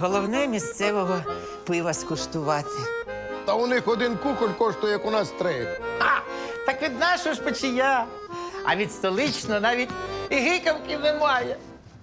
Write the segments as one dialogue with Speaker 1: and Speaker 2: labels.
Speaker 1: Головне місцевого пива скуштувати.
Speaker 2: Та у них один кухоль коштує, як у нас 3.
Speaker 1: А, так від нашого ж печія. А від столичного навіть і гикавки немає.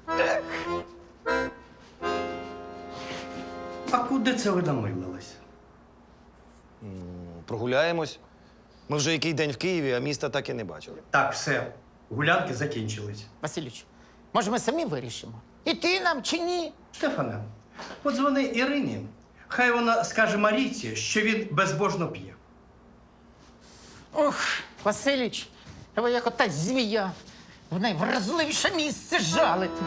Speaker 3: А куди це ви намилились?
Speaker 4: Прогуляємось. Ми вже який день в Києві, а міста так і не бачили.
Speaker 3: Так, все. Гулянки закінчились.
Speaker 1: Василюч, може, ми самі вирішимо? Іти нам чи ні?
Speaker 3: Штефане, подзвони Ірині. Хай вона скаже Марійці, що він безбожно п'є.
Speaker 1: Ох, Василюч, ви як ота змія. В найвразливіше місце жалити.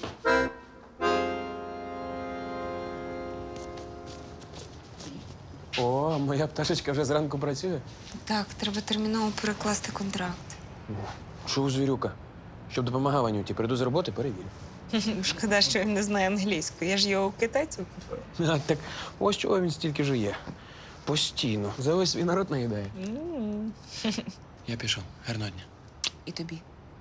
Speaker 5: О, моя пташечка вже зранку працює.
Speaker 6: Так, треба терміново перекласти контракт.
Speaker 5: Що у звірюка? Щоб допомагав Анюті, прийду з роботи, перевірю.
Speaker 6: Шкода, що він не знає англійську. Я ж його у китайців купила.
Speaker 5: А, так ось чого він стільки жує. Постійно. За весь свій народ наїдає. Я пішов. Гарного дня.
Speaker 6: І тобі.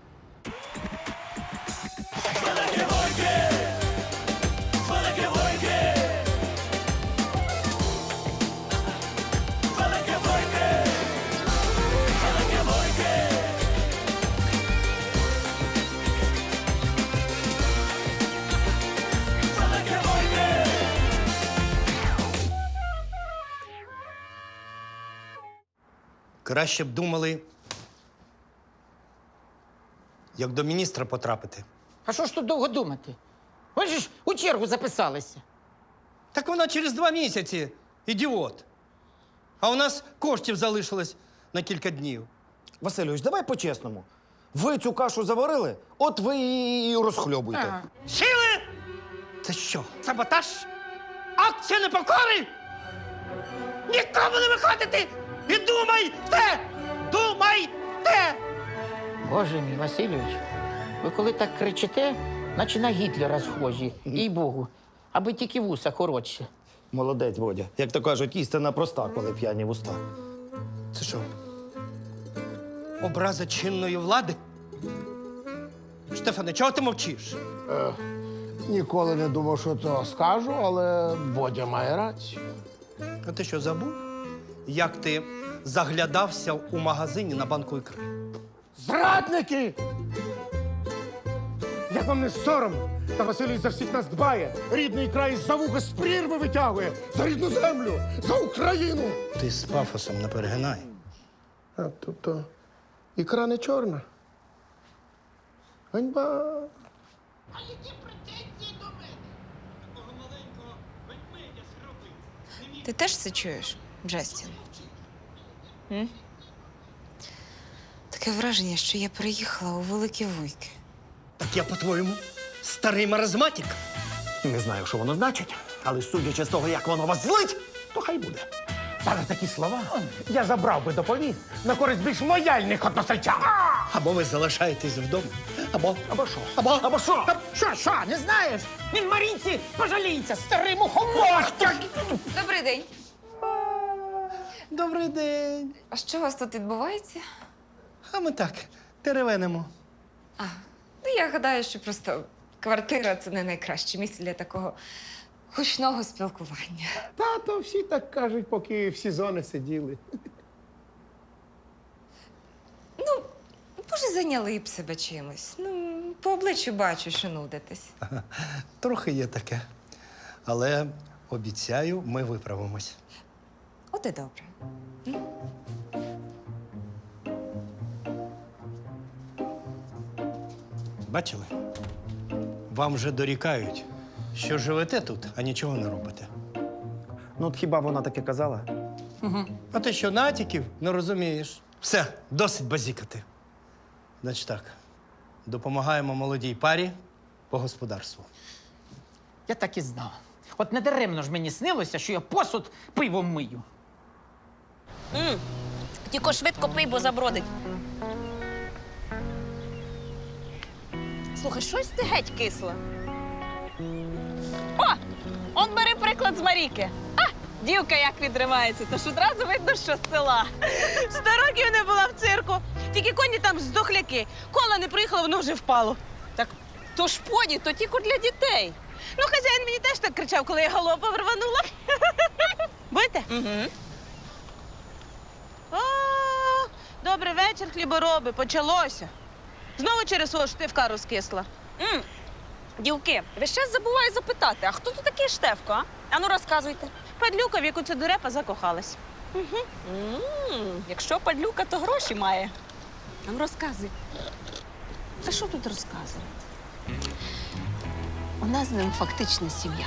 Speaker 3: Краще б думали, як до міністра потрапити.
Speaker 1: А що ж тут довго думати? Ви ж у чергу записалися.
Speaker 3: Так вона через 2 місяці, ідіот. А у нас коштів залишилось на кілька днів.
Speaker 4: Васильович, давай по-чесному. Ви цю кашу заварили, от ви і розхльобуйте.
Speaker 1: Ага.
Speaker 3: Сіли! Це що, саботаж? Акція непокори? Нікому не виходити! І думайте! Думайте!
Speaker 1: Боже мій, Васильович, ви коли так кричите, наче на Гітлера схожі, їй-богу, аби тільки вуса коротше.
Speaker 4: Молодець, Водя. Як то кажуть, істина проста, коли п'яні вуста.
Speaker 3: Це що? Образа чинної влади? Штефане, чого ти мовчиш?
Speaker 2: Ніколи не думав, що то скажу, але Бодя має рацію.
Speaker 3: А ти що, забув? Як ти заглядався у магазині на банку ікри?
Speaker 2: Зрадники! Як вам не соромно? Та Василій за всіх нас дбає. Рідний край за вуха з прірви витягує. За рідну землю, за Україну.
Speaker 3: Ти з пафосом не перегинай.
Speaker 2: А, тобто ікра не чорна. Ганьба.
Speaker 6: Ти теж це чуєш, Джастін? М? Таке враження, що я приїхала у Великі Вуйки.
Speaker 3: Так я, по-твоєму, старий маразматик?
Speaker 4: Не знаю, що воно значить, але судячи з того, як воно вас злить, то хай буде.
Speaker 2: Та за такі слова я забрав би доповідь на користь більш лояльних односельчан.
Speaker 3: Або ви залишаєтесь вдома,
Speaker 2: Або що?
Speaker 3: або що?
Speaker 1: Що, не знаєш? Він Марійці пожаліється, старий мухомор!
Speaker 6: Добрий день.
Speaker 3: Добрий день.
Speaker 6: А що у вас тут відбувається?
Speaker 3: А ми так, теревенимо.
Speaker 6: Ну, я гадаю, що просто квартира – це не найкраще місце для такого гучного спілкування.
Speaker 2: Тато всі так кажуть, поки в сезони сиділи.
Speaker 6: Може, зайняли б себе чимось. Ну, по обличчю бачу, що нудитесь.
Speaker 3: Трохи є таке. Але обіцяю, ми виправимось.
Speaker 6: От і добре.
Speaker 3: Бачили? Вам вже дорікають, що живете тут, а нічого не робите.
Speaker 4: Ну, от хіба вона таке казала?
Speaker 3: А ти що, натяків не розумієш? Все, досить базікати. Значить так, допомагаємо молодій парі по господарству.
Speaker 1: Я так і знав. От недаремно ж мені снилося, що я посуд пивом мию.
Speaker 7: Тільки швидко пий, бо забродить. Слухай, щось ти геть кисла. О! Он бери приклад з Маріки. А, дівка як відривається, тож одразу видно, що з села. 100 років не була в цирку. Тільки коні там здохляки. Кола не приїхала, воно вже впало. Так то ж поні, то тільки для дітей. Ну, хазяїн мені теж так кричав, коли я галопом рванула. Будете?
Speaker 6: Угу.
Speaker 7: О, добрий вечір, хлібороби, почалося. Знову через свого штивка розкисла.
Speaker 8: Дівки, ви ще забуваю запитати, а хто тут такий Штефко, а? Ану, розказуйте.
Speaker 7: Падлюка, в яку це дурепа закохалась.
Speaker 8: Якщо падлюка, то гроші має. Ану, розказуй. Та що тут розказувати? У нас з ним фактично сім'я.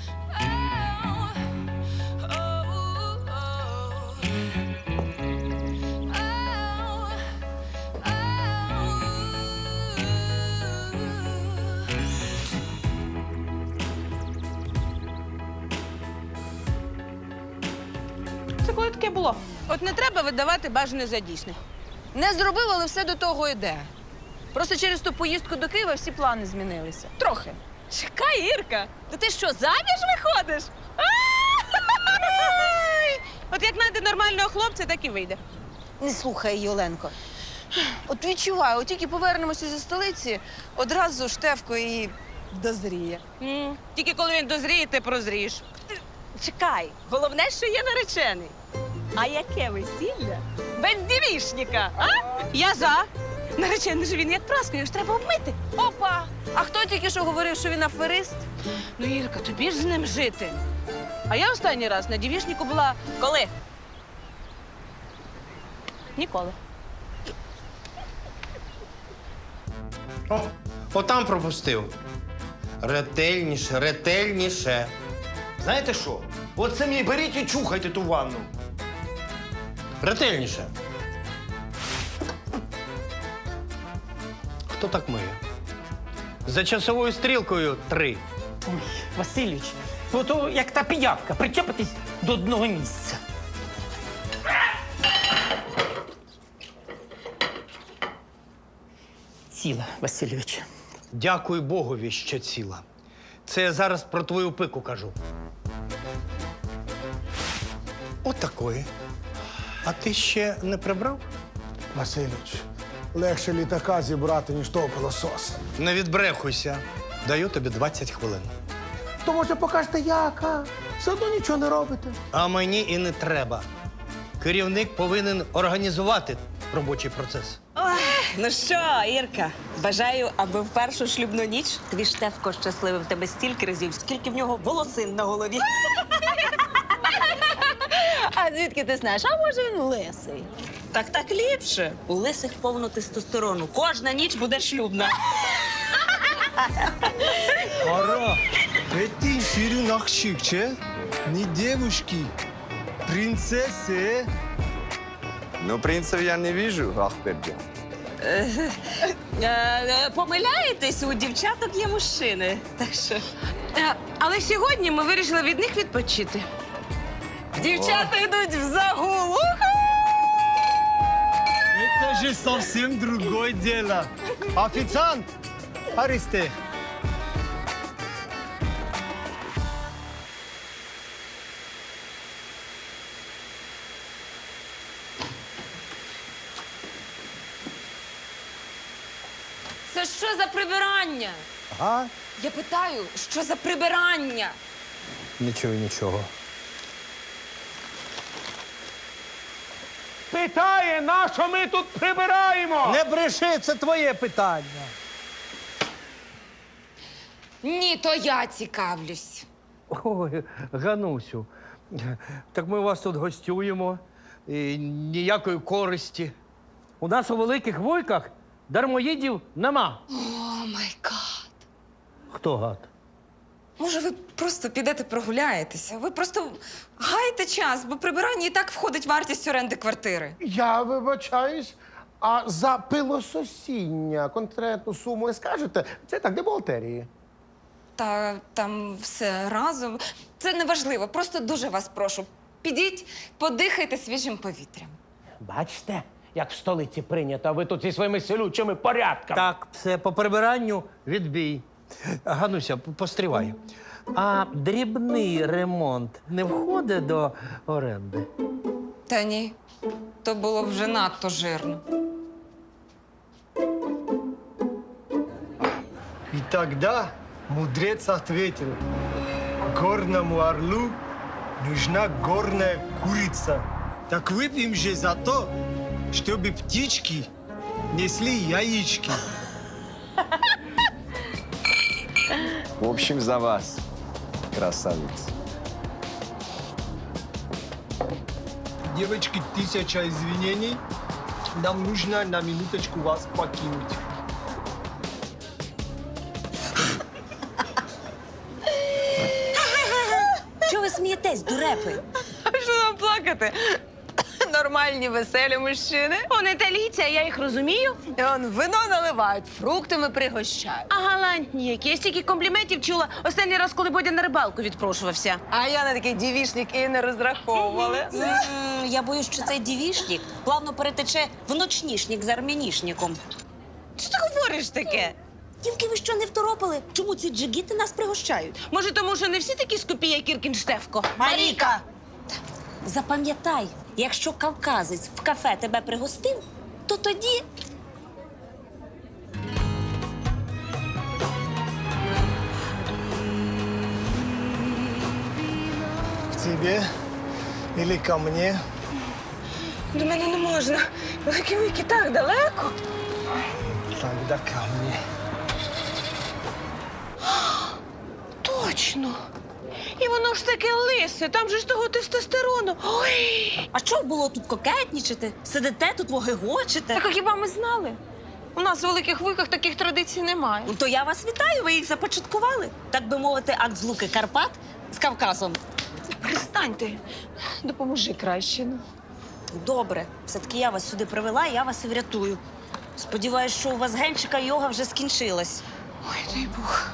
Speaker 7: Це коли таке було? От не треба видавати бажане за дійсне.
Speaker 6: Не зробив, але все до того йде. Просто через ту поїздку до Києва всі плани змінилися. Трохи.
Speaker 8: Чекай, Ірка, то ти що, заміж виходиш?
Speaker 7: Ай! От як знайде нормального хлопця, так і вийде.
Speaker 6: Не слухай її, Оленко. От відчуваю, от тільки повернемося зі столиці, одразу Штефко і дозріє.
Speaker 7: Тільки коли він дозріє, ти прозрієш.
Speaker 8: Чекай, головне, що є наречений. А яке весілля? Без дівішника, а?
Speaker 7: Я за. Наречений же він як праска, його ж треба обмити.
Speaker 6: Опа! А хто тільки що говорив, що він аферист?
Speaker 7: Ну, Ірка, тобі ж з ним жити. А я останній раз на дівішнику була
Speaker 8: Коли?
Speaker 7: ніколи.
Speaker 3: О, отам пропустив. Ретельніше, ретельніше.
Speaker 4: Знаєте що? От самі беріть і чухайте ту ванну.
Speaker 3: Ретельніше. Хто так миє? За часовою стрілкою 3.
Speaker 1: Ой, Васильович, ото як та піявка, причепитись до одного місця. Ціла, Васильович.
Speaker 3: Дякуй Богові, що ціла. Це я зараз про твою пику кажу. Отакої. А ти ще не прибрав?
Speaker 2: Васильович, легше літака зібрати, ніж того пилососа.
Speaker 3: Не відбрехуйся. Даю тобі 20 хвилин.
Speaker 2: То може покажете як, а? Все одно нічого не робите.
Speaker 3: А мені і не треба. Керівник повинен організувати робочий процес.
Speaker 8: Ну що, Ірка, бажаю, аби в першу шлюбну ніч твій Штефко щасливив тебе стільки разів, скільки в нього волосин на голові.
Speaker 7: А звідки ти знаєш? А може він лисий?
Speaker 8: Так ліпше. У лисих повно тестостерону. Кожна ніч буде шлюбна.
Speaker 9: Ара, это сирен ахшикче, не девушки, принцессы.
Speaker 5: Ну, принцев я не вижу, Ахберджан.
Speaker 8: Помиляєтесь, у дівчаток є мужчини. Так що
Speaker 7: Але сьогодні ми вирішили від них відпочити.
Speaker 8: дівчата йдуть в загул.
Speaker 9: Это же совсем другое дело. Официант, Аристе.
Speaker 6: Це що за прибирання?
Speaker 9: А?
Speaker 6: Я питаю, що за прибирання?
Speaker 9: Нічого, нічого.
Speaker 2: Питає, на що ми тут прибираємо?
Speaker 3: Не бреши, це твоє питання.
Speaker 6: Ні, то я цікавлюсь.
Speaker 3: Ой, Ганусю, так ми вас тут гостюємо. І ніякої користі. У нас у Великих Вуйках дармоїдів нема.
Speaker 6: О, май гад.
Speaker 3: Хто гад?
Speaker 6: Може, ви просто підете прогуляєтеся? Ви просто гайте час, бо прибирання і так входить вартість оренди квартири.
Speaker 2: Я вибачаюсь, а за пилососіння конкретну суму не скажете? Це так, де бухгалтерії.
Speaker 6: Та там все разом. Це не важливо. Просто дуже вас прошу. Підіть, подихайте свіжим повітрям.
Speaker 10: Бачите, як в столиці прийнято, а ви тут зі своїми селючими порядками.
Speaker 3: Так, все по прибиранню відбій. Гануся, постривай. А дрібний ремонт не входить до оренди?
Speaker 6: Та ні, то було б вже надто жирно.
Speaker 9: И тогда Мудрец ответил, горному орлу нужна горная курица. Так выпьем же за то, чтобы птички несли яички.
Speaker 11: В общем, за вас, красавец.
Speaker 9: Девочки, 1000 извинений. Нам нужно на минуточку вас покинуть.
Speaker 8: Чого ви смієтесь, дурепи?
Speaker 7: А що нам плакати? Нормальні, веселі мужчини. Он італійці, а я їх розумію. І он вино наливають, фруктами пригощають. А галантні які. Я стільки компліментів чула останній раз, коли Бодя на рибалку відпрошувався. А я на такий дівішник і не розраховувала.
Speaker 8: Я боюсь, що цей дівішник плавно перетече в ночнішник з армянішником.
Speaker 7: Що ти говориш таке?
Speaker 8: Дівки, ви що, не второпали? Чому ці джигіти нас пригощають?
Speaker 7: Може, тому що не всі такі скупі, як Кіркін Штефко?
Speaker 8: Маріка! Запам'ятай, якщо кавказець в кафе тебе пригостив, то тоді
Speaker 9: К тебе или ко мне?
Speaker 7: До мене не можна. Великі вики так далеко.
Speaker 9: Тогда ко мне.
Speaker 7: Точно. І воно ж таке лисе, там же ж того тестостерону. Ой!
Speaker 8: А що було тут кокетнічити? Сидите тут, вогегочите?
Speaker 7: Так а хіба ми знали? У нас в Великих Вуйках таких традицій немає.
Speaker 8: Ну, то я вас вітаю, ви їх започаткували. Так би мовити, акт злуки Карпат з Кавказом.
Speaker 7: Перестаньте. Допоможи краще. Ну.
Speaker 8: Добре, все-таки я вас сюди привела, і я вас і врятую. Сподіваюсь, що у вас генчика йога вже скінчилась.
Speaker 7: Ой, дай Бог.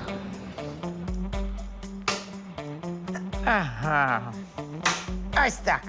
Speaker 1: Ага. Ось так.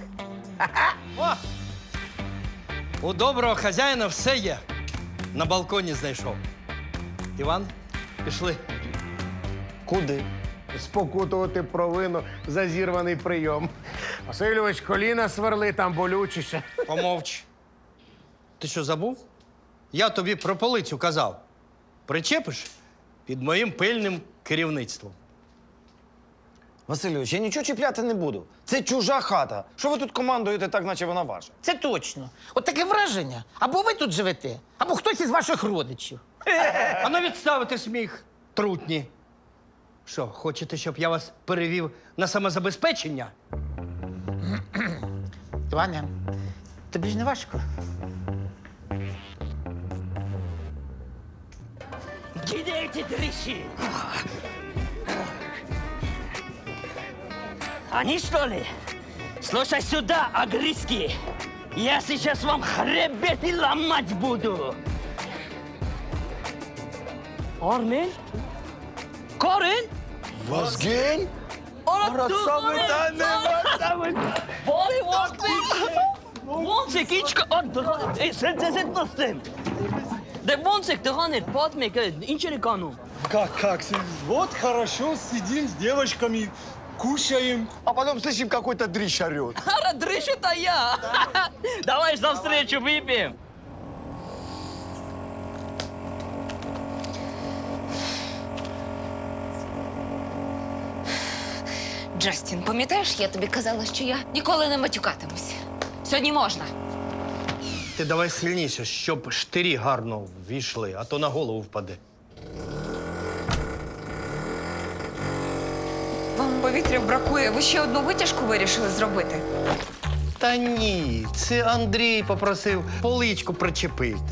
Speaker 3: У доброго хазяїна все є. На балконі знайшов. Іван, пішли.
Speaker 4: Куди?
Speaker 2: Спокутувати провину за зірваний прийом. Васильович, коліна сверли, там болючіше.
Speaker 3: Помовч. Ти що, забув? Я тобі про полицю казав. Причепиш під моїм пильним керівництвом.
Speaker 4: Васильович, я нічого чіпляти не буду. Це чужа хата. Що ви тут командуєте так, наче вона ваша?
Speaker 1: Це точно. От таке враження. Або ви тут живете, або хтось із ваших родичів.
Speaker 3: А ну відставити сміх, трутні. Що, хочете, щоб я вас перевів на самозабезпечення?
Speaker 1: Іване, тобі ж не важко?
Speaker 10: Где эти дрищи? Они что ли? Слушай сюда, агриски. Я сейчас вам хребет и ломать буду. Армен? Корин?
Speaker 9: Возгень?
Speaker 10: Bori Vonzek içki sen dostum. De Vonzek de hanır pat me ke inçeri kanu.
Speaker 9: Как? Вот хорошо, сидим с девочками, кушаем.
Speaker 4: А потом слышим, какой-то дрищ орет.
Speaker 10: Ара дрыщу-то я. Давай за встречу выпьем.
Speaker 6: Джастін, пам'ятаєш, я тобі казала, що я ніколи не матюкатимусь. Сьогодні можна.
Speaker 3: Ти давай сильніше, щоб штирі гарно ввійшли, а то на голову впаде.
Speaker 6: Вам повітря бракує. Ви ще одну витяжку вирішили зробити?
Speaker 3: Та ні, це Андрій попросив поличку причепити.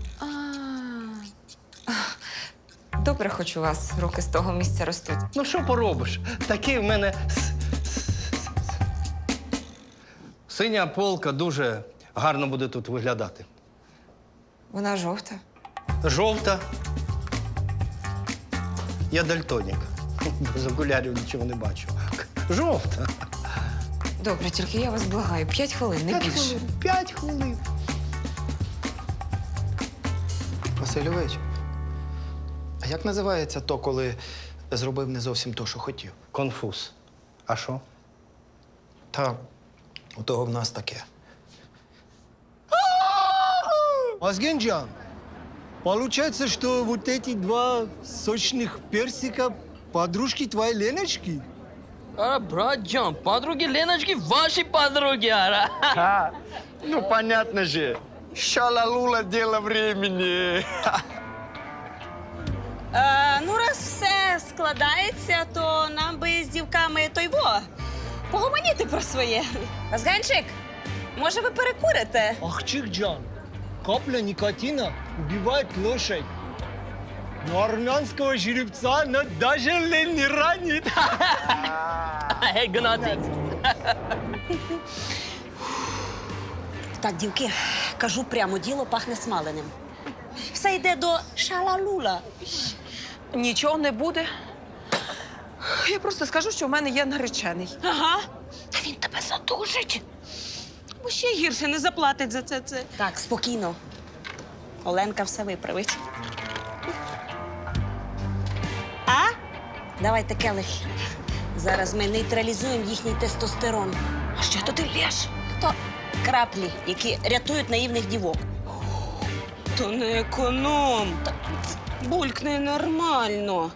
Speaker 6: Добре, хоч у вас руки з того місця ростуть.
Speaker 3: Ну що поробиш? Такий в мене синя полка дуже гарно буде тут виглядати.
Speaker 6: Вона жовта.
Speaker 3: Жовта. Я дальтонік. Без окулярів нічого не бачу. Жовта.
Speaker 6: Добре, тільки я вас благаю. 5 хвилин, не більше.
Speaker 3: 5 хвилин.
Speaker 4: Васильович, а як називається то, коли зробив не зовсім то, що хотів?
Speaker 3: Конфуз. А що?
Speaker 4: Та у того в нас таке.
Speaker 9: Возгенджан, получается, что вот эти два сочных персика Подружки твоей Леночки?
Speaker 10: Ара, братджан, подруги Леночки ваши подруги, ара.
Speaker 11: Ну, понятно же. Шалалула дело времени.
Speaker 8: Ну, раз все складається, то нам би з дівками погомоніти про своє. Вазганчик, може ви перекурите?
Speaker 9: Ахчикджан, капля никотина убивает лошадь. Но армянского жеребца она даже лень не ранит.
Speaker 10: Эй, Гнатик.
Speaker 8: Так, дівки, кажу прямо, діло пахне смаленим. Все йде до шалалула.
Speaker 7: Нічого не буде. Я просто скажу, що в мене є наречений.
Speaker 8: Ага. Та він тебе задушить.
Speaker 7: Бо ще гірше не заплатить за це.
Speaker 8: Так, спокійно. Оленка все виправить. А? Давайте келих. Зараз ми нейтралізуємо їхній тестостерон.
Speaker 7: А що то ти лєш?
Speaker 8: То краплі, які рятують наївних дівок.
Speaker 7: То не економ.
Speaker 8: Булькне нормально.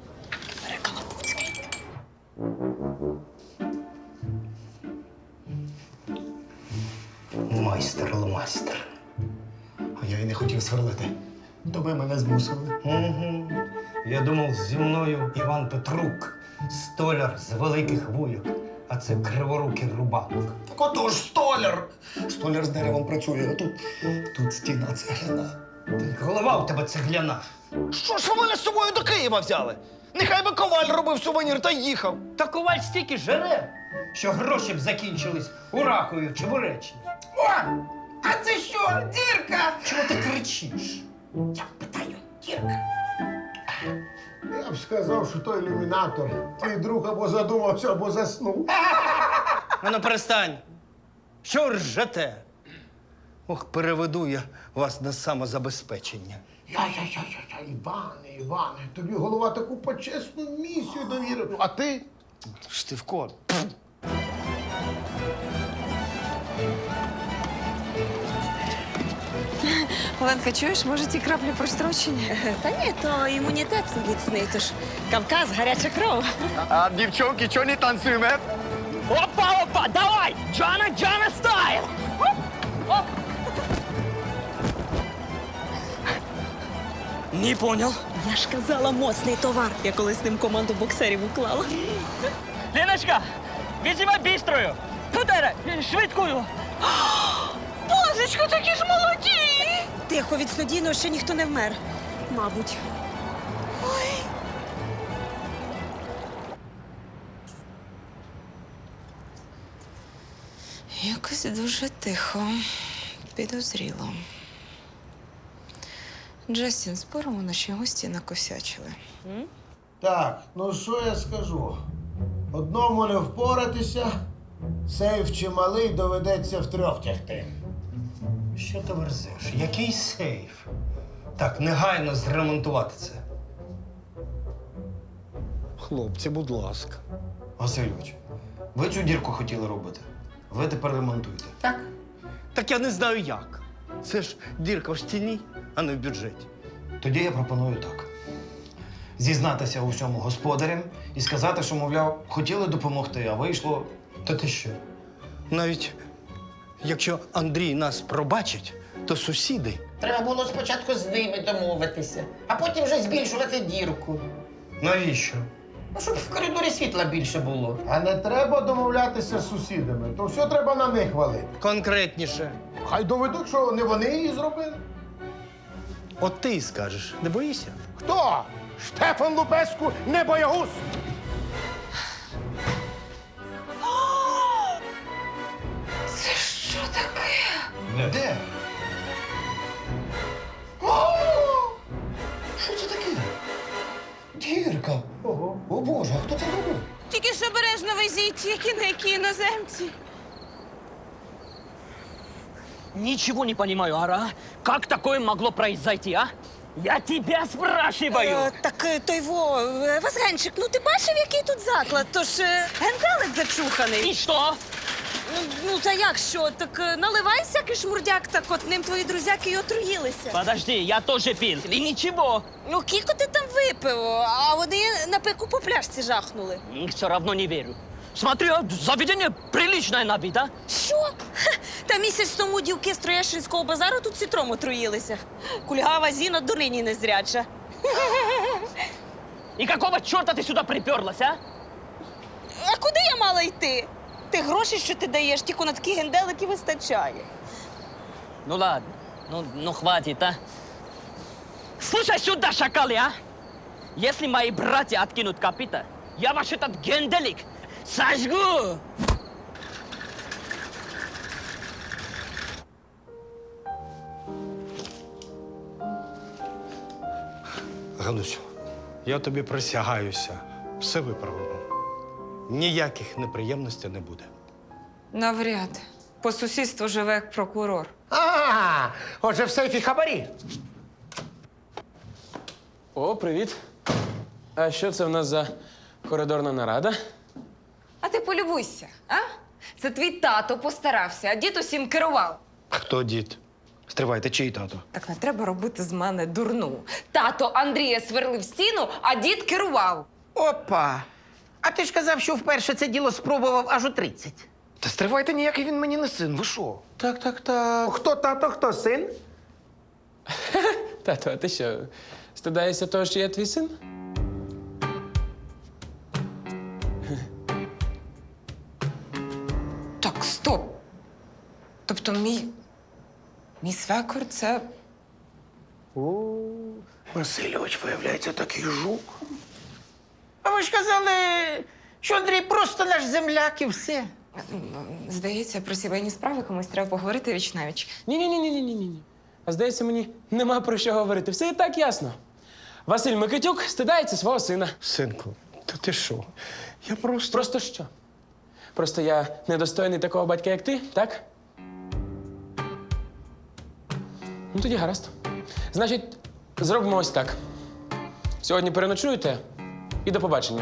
Speaker 2: Майстер. А я й не хотів сверлити. То ви мене змусили.
Speaker 3: Угу. Я думав, зі мною Іван Петрук, столяр з великих вуйок, а це криворукий рубанок.
Speaker 2: Так отож, столяр! Столяр з деревом працює, а тут стіна цегляна.
Speaker 3: Голова у тебе цегляна.
Speaker 4: Що ж ви мене з собою до Києва взяли? Нехай би коваль робив сувенір та їхав.
Speaker 3: Та коваль стільки жере, що гроші б закінчились у Ракові чи в Уреччині.
Speaker 1: О! А це що, дірка?
Speaker 3: Чого ти кричиш?
Speaker 1: Я питаю, дірка.
Speaker 2: Я б сказав, що той ілюмінатор. Твій друг або задумався, або заснув.
Speaker 3: Ну, перестань. Що ви ржете? Ох, переведу я вас на самозабезпечення.
Speaker 2: Іване, тобі голова таку почесну місію довірив. А ти?
Speaker 3: Штивко.
Speaker 6: Оленка, чуєш, може ті краплі прострочені?
Speaker 8: Та ні, то імунітет міцний, тож Кавказ, гаряча кров.
Speaker 11: А девчонки, что не танцуем, э?
Speaker 10: Опа, опа, давай! Джана стайл! Не понял.
Speaker 8: Я ж казала, моцний товар. Я колись з ним команду боксерів уклала.
Speaker 10: Леночка, визывай быструю! Куда? Швидкую!
Speaker 7: Божечко, такі ж молоді!
Speaker 8: Тихо, від снодійного ще ніхто не вмер. Мабуть.
Speaker 6: Якось дуже тихо, підозріло. Джастін, споримо, наші гості накосячили.
Speaker 2: Так, ну що я скажу? Одному не впоратися, сейф чималий, доведеться втрьох тягти.
Speaker 3: Що ти верзеш? Який сейф? Так, негайно зремонтувати це.
Speaker 2: Хлопці, будь ласка.
Speaker 4: Васильович, ви цю дірку хотіли робити. Ви тепер ремонтуйте.
Speaker 1: Так.
Speaker 3: Так я не знаю як. Це ж дірка в стіні, а не в бюджеті.
Speaker 4: Тоді я пропоную так: зізнатися у всьому господарям і сказати, що, мовляв, хотіли допомогти, а вийшло.
Speaker 3: Та ти що? Навіть якщо Андрій нас пробачить, то сусіди.
Speaker 1: Треба було спочатку з ними домовитися, а потім вже збільшувати дірку.
Speaker 3: Навіщо?
Speaker 1: Ну, щоб в коридорі світла більше було.
Speaker 2: А не треба домовлятися з сусідами, то все треба на них валити.
Speaker 3: Конкретніше.
Speaker 2: Хай доведуть, що не вони її зробили.
Speaker 3: От ти й скажеш, не боїшся?
Speaker 2: Хто? Штефан Лупеску, не боягуз!
Speaker 6: Це що таке?
Speaker 4: Де? Що це таке? Дірка.
Speaker 2: Ого.
Speaker 4: О Боже, а хто це робив?
Speaker 7: Тільки ж обережно везіть, які іноземці.
Speaker 10: Ничего не понимаю, Ара. Как такое могло произойти, а? Я тебя спрашиваю!
Speaker 8: Так Вазганчик, ну ти бачив, який тут заклад? Тож генделик зачуханий.
Speaker 10: И что?
Speaker 8: Ну, та як що? Так наливай всякий шмурдяк, так от ним твої друзяки й отруїлися.
Speaker 10: Подожди, я тоже пил. И ничего.
Speaker 8: Ну, кілько ти там випив, а вони на пику по пляшці жахнули.
Speaker 10: Все равно не верю. Смотри, а заведение приличное на вид, а?
Speaker 8: Що? Ха, та місяць тому дівки з Троєщинського базару тут цитром отруїлися. Кульгава Зіна донині незряча.
Speaker 10: И какого черта ты сюда приперлась, а?
Speaker 8: А куди я мала йти? Ти гроші, що ти даєш, тільки на такі генделики вистачає.
Speaker 10: Ну ладно, ну хватит, а? Слушай сюда, шакалы, а! Если мои братья откинут копыта, я ваш этот генделик сожгу!
Speaker 12: Ганусю, я тобі присягаюся, все виправимо. Ніяких неприємностей не буде.
Speaker 6: Навряд. По сусідству живе як прокурор.
Speaker 1: Отже, в сейфі хабарі.
Speaker 5: О, привіт. А що це в нас за коридорна нарада?
Speaker 6: А ти полюбуйся, а? Це твій тато постарався, а дід усім керував.
Speaker 4: Хто дід? Стривайте, чий тато?
Speaker 6: Так не треба робити з мене дурну. Тато Андрія сверлив стіну, а дід керував.
Speaker 1: Опа. А ти ж казав, що вперше це діло спробував аж у 30.
Speaker 4: Та стривайте, ніякий він мені не син, ви що?
Speaker 1: Так. Хто тато, хто син?
Speaker 5: Тато, а ти що, стидаєшся того, що я твій син?
Speaker 6: Так, стоп. Тобто мій свекор це.
Speaker 1: Васильович, виявляється, такий жук. А ви ж казали, що Андрій просто наш земляк і все.
Speaker 6: Здається, про сімейні справи комусь треба поговорити віч-навіч.
Speaker 5: Ні. А здається, мені нема про що говорити. Все і так ясно. Василь Микитюк стидається свого сина.
Speaker 12: Синку, та ти що? Я просто.
Speaker 5: Просто що? Просто я недостойний такого батька, як ти, так? Ну, тоді гаразд. Значить, зробимо ось так. Сьогодні переночуєте і до побачення.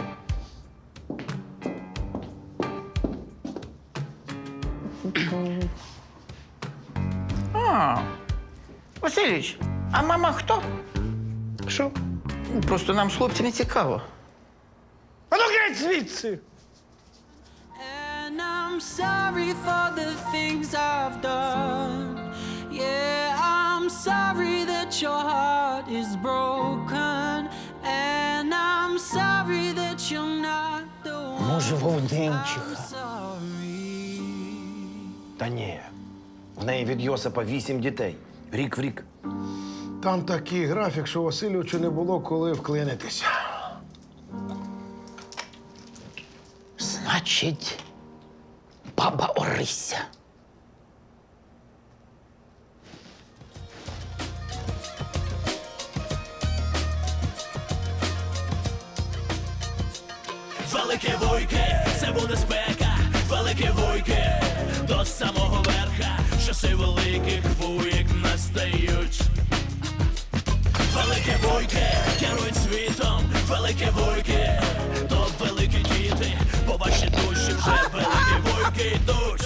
Speaker 1: Васильович, а мама хто?
Speaker 12: Що?
Speaker 1: Просто нам з хлопці не цікаво.
Speaker 12: А ну геть звідси!
Speaker 13: And I'm sorry for the things I've done. Yeah, I'm sorry that your heart is broken. And I'm sorry that you're not the one.
Speaker 1: Може, Вовненчиха.
Speaker 13: Sorry.
Speaker 4: Та ні. В неї від Йосипа 8 дітей. Рік в рік.
Speaker 2: Там такий графік, що Васильовичу не було коли вклинитися.
Speaker 1: Значить, баба Орися.
Speaker 14: Велике вуйки, це буде спека, велике вуйки, до самого верха, часи великих вуйк настають. Велике вуйки, керують світом, велике вуйки, то великі діти, по вашій душі вже великі вуйки йдуть.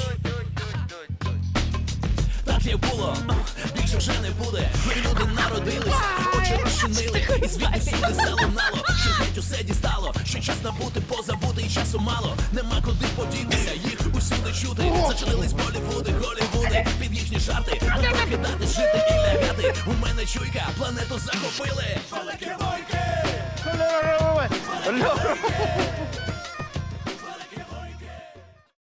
Speaker 14: Так як було, більше вже не буде. Ми люди народились, очі розчинили, і звідти всюди залунало, що геть усе дістало, що час набути, позабути, і часу мало. Нема куди подітися, їх усюди чути. Зачинились Болівуди, Голівуди, під їхні жарти. Не покидати, жити і лягати. У мене чуйка, планету захопили. Великі вуйки!